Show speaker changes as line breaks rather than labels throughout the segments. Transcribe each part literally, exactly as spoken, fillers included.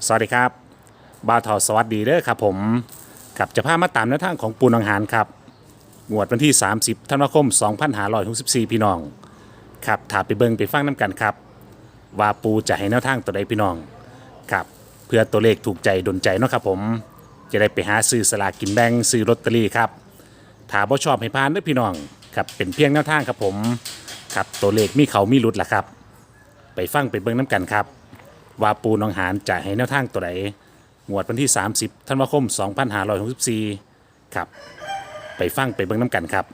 สวัสดีครับบ่าวทอสวัสดีเด้อครับผมกับจะพามาตามแนวทางของปูนองหารครับงวดวันที่สามสิบธันวาคมสองพันห้าร้อยหกสิบสี่พี่น้องครับถาไปเบิ่งไปฟังน้ำกันครับว่าปูจะให้แนวทางตัวใดพี่น้องครับเพื่อตัวเลขถูกใจดลใจเนาะครับผมจะได้ไปหาซื้อสลากกินแบ่งซื้อลอตเตอรี่ครับถ้าบ่ชอบให้พานเด้อพี่น้องครับเป็นเพียงแนวทางครับผมครับตัวเลขมีเขามีหลุดล่ะครับไปฟังไปเบิ่งน้ำกันครับว่าปูนองหารจะให้แนวทางตัวใดงวดวันที่สามสิบธันวาคมสองพันห้าร้อยหกสิบสี่ครับไปฟังไปเบิ่งน้ำกันครับ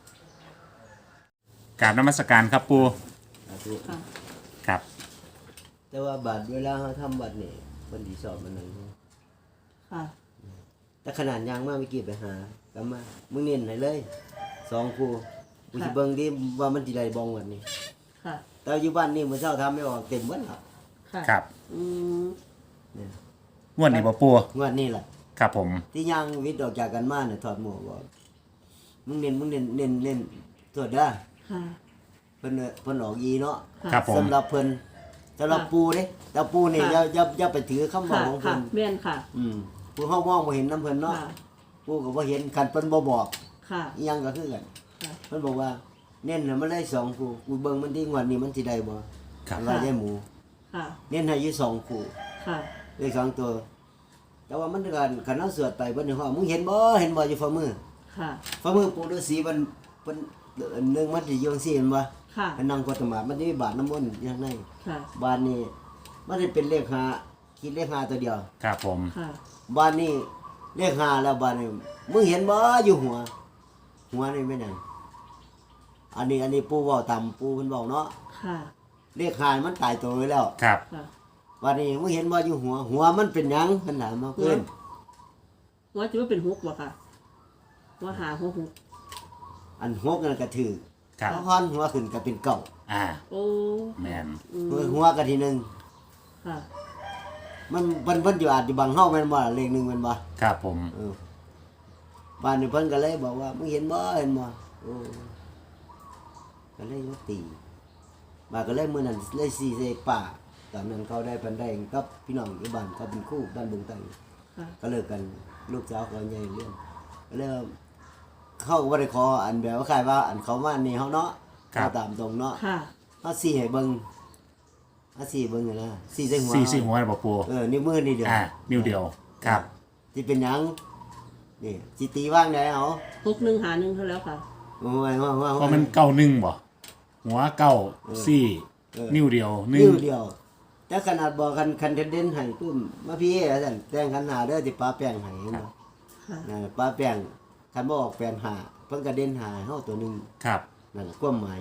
กราบนมัสการครับปู
สาธุ
ค่ะ
ครับ
แต่ว่าบัตรเวลาเขาทำบัตรนี่คนดีสอบมันหนึ่ง
ค่ะ
แต่ขนาดยางมากไม่กี่ไปหากลับมามึงเน้นให้เลยสองครูกูจะเบิ่งดิว่ามันจีได้บองวันนี้
ค่ะ
แต่อยู่บ้านนี่มื้อเช้าทำไม่ออกเต็มวันละ
ค่ะ
ครับ
อืม
เนี่ย
งวดนี้บ่ปู
งวดนี้แหละ
ครับผม
ที่ยางวิทย์ออกจากกันมาเนี่ยถอดหมวกบอกมึงเน้นมึงเน้นเน้นเน้นตรวจได้
ค่ะ
เพิ่นเอ่อเพิ่นออกยีเนาะ
ค่ะ
ครับผม
สำหรับเพิ่นสำหรับ
ค่ะ
ปูเด้แต่ปูนี่
ค่ะ
อย่าอย่าอย่าไปถือคำบอ
ค่ะ
กของ
ค่ะ
เพิ่น
แม่นค่ะ
อืมผู้เฮามองบ่เห็นน้ำเพิ่นเนาะ
ค่ะ
ปูก็บ่เห็นคันเพิ่นบ่บอก
ค่ะ
อีหยังก็คือกัน
ค่ะ
เพิ่นบอกว่าเน้นให้มันได้สองคู่กูเบิ่งมันที่งวดนี้มันสิได้บ่
ครับ
ว่าได้หมู
ค่ะ
เน้นให้อยู่สองคู่
ค่ะ
ได้สองตัว แต่ว่ามันกันคันเอาสวดไปเบิ่นฮ้อมึงเห็นบ่เห็นบ่อยู่ฝ่ามือ
ค่ะ
ฝ่ามือปู่ฤาษีมันเพิ่นอันหนึงมันสิอยู่จังซี่เห็นบ่
ค่ะ
มันนั่งกดสมาธิมันจะมีบาทน้ำมนต์อยู่ข้างใน
ค่ะ
บาทนี้มันสิเป็นเลขห้าคิดเลขห้าตัวเดียว
ครับผม
ค่ะ
บาทนี้เลขห้าแล้วบาทนี้มึงเห็นบ่อยู่หัว หัวนี่แม่นหยังอันนี้อันนี้ปู่เว้าตามปู่เพิ่นบอกเนาะ
ค่ะ
เลขห้ามันตายตัวไว้แล้ว
ครับ
ค่ะ
บาดนี้มึงเห็นบ่อยู่หัว หัวมันเป็นหยังเพิ่นถามมาเพิ่น
ว่าจะว่าเป็นฮุกบ่ค่ะ ว่าหาหัวฮุก
อันหกนั่นก็ถือ
ครับ
พอฮ้อนหัวขึ้นก็เป็นเก้า
อ่า
โอ้
แมน
อืม
หัวก็ที่หนึ่ง
ค่ะ
มันเพิ่นเพิ่นอยู่อาจสิบังเฮาแม่นบ่ล่ะเลขหนึ่งแม่นบ่
ครับผม
เออบ้านนี้เพิ่นก็เลยบอกว่ามึงเห็นบ่เห็นบ่โอ้ก็เลยมาตีบาดก็เลยมื้อนั้นเลยสีใส่ป่าตอนนั้นเขาได้เพิ่นได้กับพี่น้องอยู่บ้านเขาเป็นคู่บ้านบึงตัง
ค่ะ
ก็เลิกกันลูกสาวเขาใหญ่เรื่องก็เลยเขาก็บ่ได้ขออันแบบว่าใครว่าอันเขามานี่เฮาเนาะเอาตามตรงเนาะ
ค่ะ
เฮาสิให้เบิ่งเฮาสิเบิ่งนั่นนะสิใส่หัว
สี่สี่หัวนะบ่ปู
เออนิ้วมือนี่เดียว
อ่านิ้วเดียวครับ
สิเป็นหยังนี่สิตีว่างได้เอา
ฮุกหนึ่งหาหนึ่งเท่าแล้วค่ะ
โอ้ยว่าว่า
เพราะมันเก้าหนึ่งบ่หัวเก้าสี่
เออ
นิ้วเดียวหนึ่ง
นิ้วเดียว แต่ขนาดบอกคันคันเด่นๆให้ปุ้มมาพี่ว่าซั่นแต่งขันหาเด้อสิป้าแป้งให้เห็นบ่
ค่ะ
นั่นน่ะป้าแป้งคันบ่ออกแป้งหาเพิ่นก็เด่นหาให้เฮาตัวหนึง
ครับ
นั่นแหละความหมาย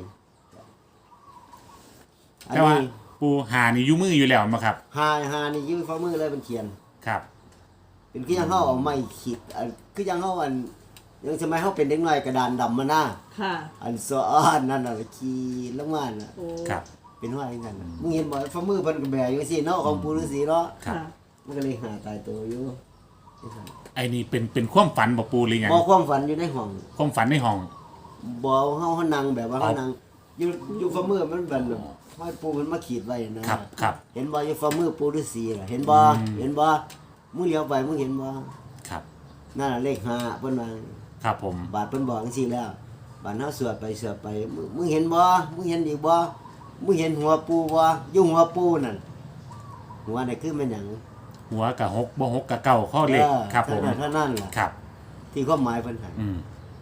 อัน
แต่ว่า
นี้
ปูหานี่อยู่มืออยู่แล้วมั้ครับ
หาหานี่ยื้อฝ่ามือเลยมันเขียน
ครับ
เป็นคือยังเฮาเอาไม้ขีดอันคือยังเฮาอันยังสมัยเฮาเป็นเด็กน้อยกระดานดำมาหน้า
ค่ะ
อันซ้อนนั่นน่ะขีดลงมาน่ะ
โอ้
ครับ
เป็นว่าอย่างนั้นน่ะมึงเห็นบ่ฝ่ามือเพิ่นก็แบอยู่สิเนาะของปู่ฤาษีเนาะ
ครับ
ค่ะ
มันก็เลยหาตายตัวอยู่
ไอ้นี่เป็นเป็นความฝันบ่ปูหรือยัง
บ่ความฝันอยู่ในห้อง
ความฝันในห้อง
บ่เฮาเฮานั่งแบบว่า
เอา
เฮานั่งอยู่อยู่ฝ่ามือมันเป็นแบบห้อยปู่เพิ่นมาขีดไว้นะครับ
ครับ
เห็นบ่อยู่ฝ่ามือปู่ฤาษีน่ะเห็นบ่
อืม
เห็นบ่มึงเลี้ยวไปมึงเห็นบ่
ครับ
นั่นน่ะเลขห้าเพิ่นว่า
ครับผม
บาดเพิ่นบอกจังซี่แล้วบาดเฮาสวดไปสวดไปมึงมึงเห็นบ่มึงเห็นอีกบ่มึงเห็นหัวปู่บ่อยู่หัวปู่นั่นหัวนี่คือแม่นหยัง
หัวกับหกบ่หกกับเก้าข้อเลข
ออ
ครับผม
เท่านั้นเท่านั้นล่ะ
ครับ
ที่ความหมายเพิ่นให้
อืม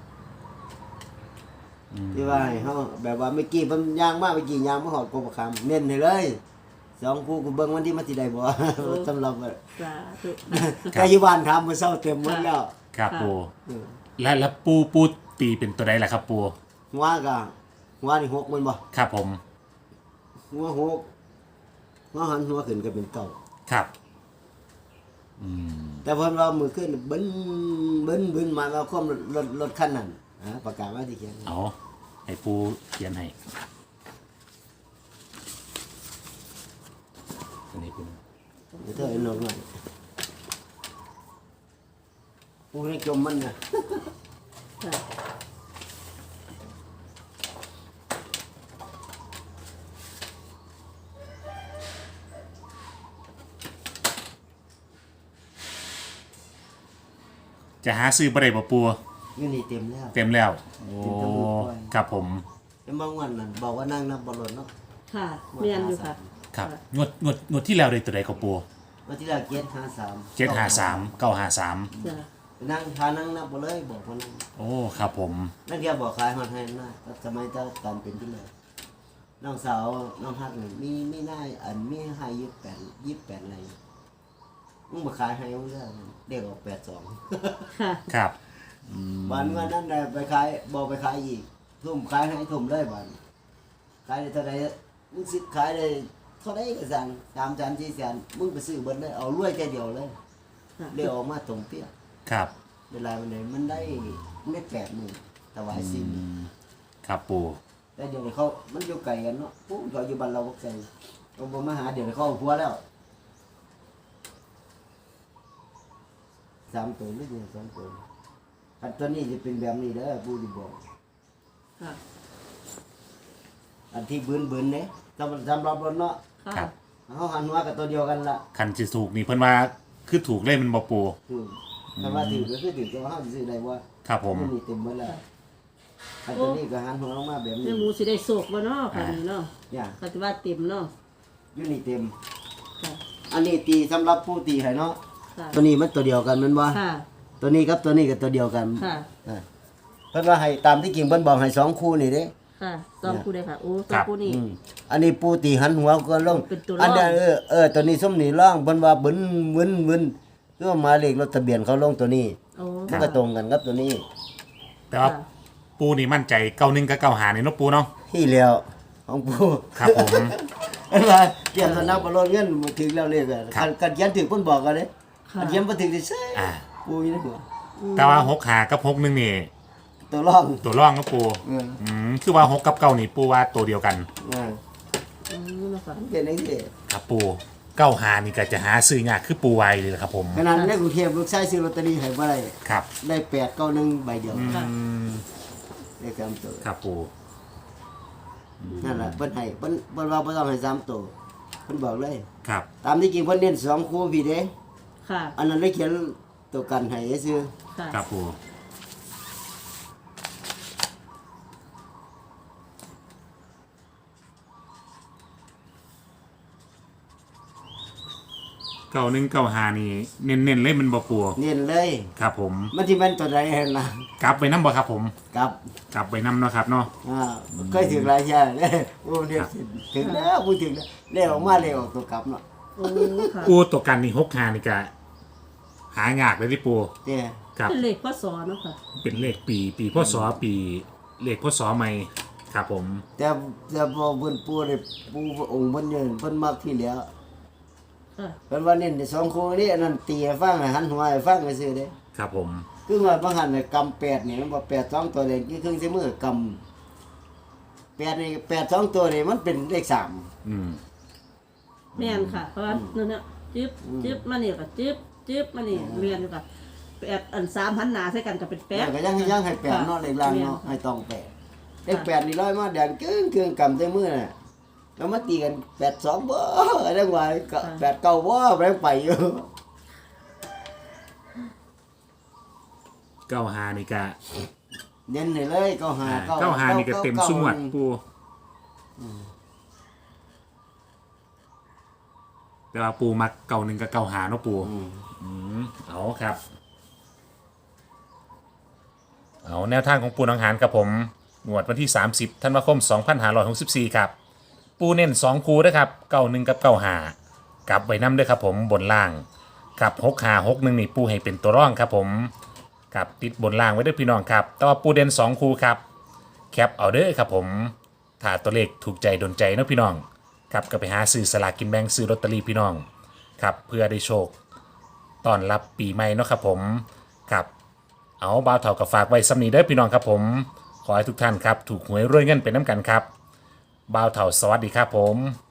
อืม
ที่ว่าให้เฮาแบบว่าเมื่อกี้เพิ่นย่างมาเมื่อกี้ย่างมาฮอดกบคำเน้นให้เลยสองคู่กูเบิ่งวันที่มันสิได้บ่ สำหรับว่า
สาธุ
แต่อยู่บ้านถามมื้อเช้าเต็มหมดแล้ว
ครับ
ค่ะ
ปู
เออ
และแล้วปูปูตีเป็นตัวใดล่ะครับปู
หัวก็หัวนี่หกแมันบ่
ครับผม
หัวหกหัวหันหัวขึ้นก็เป็นเก้า
ครับอืม
แต่เพิ่นว่ามือขึ้นบึ้นบึ้นบึ้นมาแล้วความรถรถคันนั้นฮะประกาศว่าที่เขียน
เอาให้ปูเขียนให้อันนี้เป็น
เดี๋ยวเธอเอาลงหน่อยกูให้จมมันนะ
ค่ะ
จะหาซื้อบ่ได้บ่ปู
อยู่นี่เต็มแล้ว
เต็มแล้ว โอ้
เต็มทั้งหมดด้วย
ครับผม
แล้วบางวันนั่นบอกว่านั่งนับบอลลนเนาะ
ค่ะเมียนอยู่ค่ะ
ครับงวดงวดงวดที่แล้วได้ตัวใดครับปู
วันที่เราเกียรห้าสาม
เจ็ดห้าสามเก้าห้าสาม
จ้ะ
นั่งทานั่งนับบอลเลยบอกว่านั่ง
โอ้ครับผม
นั่นแกบอกขายฮอดให้นะสมัยเจ้าการเป็นที่เลยน้องสาวน้องฮักนี่มีมีหน้าอันมีให้ยี่สิบแปดยี่สิบแปดอะไรมึงมาขายให้มึงเรื่องเด็กออกแปดสอง
ค่ะ
ครับ
วันวันนั้นได้ไปขายบอกไปขายอีกทุ่มขายให้ทุ่มเลยบันขายได้เท่าไรมึงสิขายได้เท่าไรก็สั่งตามจานที่แสนมึงไปซื้อเบิดเลยเอารวยแค่เดียวเลย
ค่ะ
เดี๋ยวออกมาตรงเปี้ย
ครับ
เวลามันได้มันได้มันได้แปดหมื่นถวายสิ้น
ครับปู
แต่เดี๋ยวนี้เขามันอยู่ไกลกันเนาะปุ๊บเขาอยู่บ้านเราบอกใจเขาบอกมาหาเดี๋ยวนี้เขาเอาผัวแล้วสามตัวนี่เนี่ยสามตัวอันตัวนี้จะเป็นแบบนี้เด้อผู้ที่บอก
ค่ะ
อันที่บืนบืนเนี่ยสำหรับสำหรับรถเนาะ
ค่ะ
ครับ
เขาหันหัวกับตัวเดียวกันละ
คันสิถูกนี่เพิ่นว่าคือถูกเล่นมันบ่ปู
คือถ้าว่าถือก็คือถือตัวเขาซื้อได้ว่า
ครับผม
นนี่เต็มหมดแล้วอันตัวนี้ก็หันหัวลงมาแบบ
แม่
นี้
หมูสิได้โศกบ่เนาะค่ะนี่เนาะ
เนี่ย
ก็สิว่าเต็มเนาะ
อยู่นี่เต็ม
ค่ะ
อันนี้ตีสำหรับผู้ตีให้เนาะ
ค่ะ
ตัวนี้มันตัวเดียวกันแมันบ่
ค่ะ
ตัวนี้กับตัวนี้ก็ตัวเดียวกัน
ค่ะ
อ่าเพิ่นว่าให้ตามที่จริงเพิ่นบอกให้สองคู่นี่เด้
ค่ะสองคู่ได้ค่ะ โอ้สองคู่นี่
อืมอันนี้ปูตีหันหัวก็ลง
เป็นตัวร่อง
อันเนี้ยเออเออตัวนี้ส้มนี่ร่องเพิ่นว่าบึนบึนบึนคือว่าหมายเลขรถทะเบียนเขาลงตัวนี้
โอ้
มันก็ตรงกันกับตัวนี้
แต่ว่า
ค่ะ
ปูนี่มั่นใจเก้าหนึ่งกับเก้าหานี่เนาะปูเนาะ
ที่แล้วของปู
ครับผม
เห็นว่าเตรียมสนับบ่ลดเงินมาถึงแล้วเลขอะ
ครับ
คันกันเขียนถึงเพิ่นบอกกันเด้
ค่ะ
กันเขียนบ่ถึงสิเซ่
อ่า
ปูอยู่ในหัว
แต่ว่าหกหากับหกหนึ่งนี่
ตัวร่อง
ตัวร่องก็ปู
เออ
อืมคือว่าหกกับเก้านี่ปูว่าตัวเดียวกัน
เออ
อืมนะคะ
มันเป็นจังซี่
ครับปูเก้าหานี่ก็จะหาซื้อยากคือปูไวเลยครับผม
ขนาดในกรุงเทพลูกชายซื้อลอตเตอรี่ให้บ่ได้
ครับ
ได้แปดเก้าหนึ่งใบเดียว
ค่ะ
อืม
ได้สามตัว
ครับปู
นั่นแหละเพิ่นให้เพิ่นเพิ่นว่าบ่ต้องให้สามตัวเพิ่นบอกเลย
ครับ
ตามที่จริงเพิ่นเน้นสองคู่พี่เด้
ค่ะ
อันนั้นเลยเขียนตัวกันให้ซื่อ
ค่ะ
ครับปูเก้าหนึ่งเก้าหานี่เน้นๆเลยมันบ่ปู
เน้นเลย
ครับผม
มันที่มันตัวใดเห็นล่ะ
กลับไปน้ำบ่ครับผม
กับ
กลับไปน้ำเนาะครับเนาะ
อ่าเคยถึงหลายเที่ยเด้โอ้เรียกถึงแล้วพูดถึงแล้วเลขออกมาเลขออกตัวกลับเนาะ
โอ้ค่ะ
ปูตัวกันนี่หกหานี่ก็หายากเลยที่ปู
เด้
ครับ
เป็นเลขพศเนาะค่ะ
เป็นเลขปีปีพศปีเลขพศใหม่ครับผม
แต่แต่พอเพิ่นปูได้ปูองค์เพิ่นเยินเพิ่นมักที่แล้ว
ค่ะ
เพิ่นว่าเน้นสองคู่นี้อันนั้นตีให้ฟังให้หันหัวให้ฟังซื่อเด้
ครับผม
คือว่าบางหันน่ะกำแปดนี่มันบ่แปดสองตัวเองคือครึ่งใช้มือกำแปดนี่แปดสองตัวนี่มันเป็นเลขสาม
อืม
แม่นค่ะเพราะว่านั่นน่ะจึ๊บจึ๊บมานี่ก็จึ๊บจึ๊บมานี่แม่นอยู่ค่ะแปดอันสามหันหน้าใส่กันก็เป็นแป
แป
ด
ดก็ยังยังให้แปดเนาะเลขล่างเนาะให้ต้องแปดเลขแปดนี่ร้อยมาแดงกึ้งกึ้งกำใช้มือน่ะแล้วมาตีกันแปดสองบ่ได้ว่าก็แปดเก้าบ่แบงไปอยู่
เก้าหานี่ก็
เน้นให้เลยเก้าหา
อ่าเก้าหานี่ก็เต็มสุงวดปูแต่ว่าปูมักเก่าหนึ่งกับเก่าหาเนาะปู
อืม
อืมเอาครับ เอาแนวทางของปูนังหารกับผมงวดวันที่ สามสิบธันวาคม สองพันห้าร้อยหกสิบสี่ ครับ ปูเน้นสองคูนะครับเก้าหนึ่งกับเก้าหากลับไว้น้ำด้วยครับผมบนล่างกับหกหาหกหนึ่งนี่ปูให้เป็นตัวร่องครับผมกับติดบนล่างไว้ด้วยพี่น้องครับ แต่ว่าปูเด่นสองคูครับ แคปเอาเด้อครับผมถ้าตัวเลขถูกใจโดนใจเนาะพี่น้องครับก็ไปหาซื้อสลากกินแบ่งซื้อลอตเตอรี่พี่น้องครับเพื่อได้โชคตอนรับปีใหม่เนาะครับผมครับเอาบ่าวเท่ากับฝากไว้สำนีเด้อพี่น้องครับผมขอให้ทุกท่านครับถูกหวยรวยเงินเป็นน้ำกันครับบ่าวเท่าสวัสดีครับผม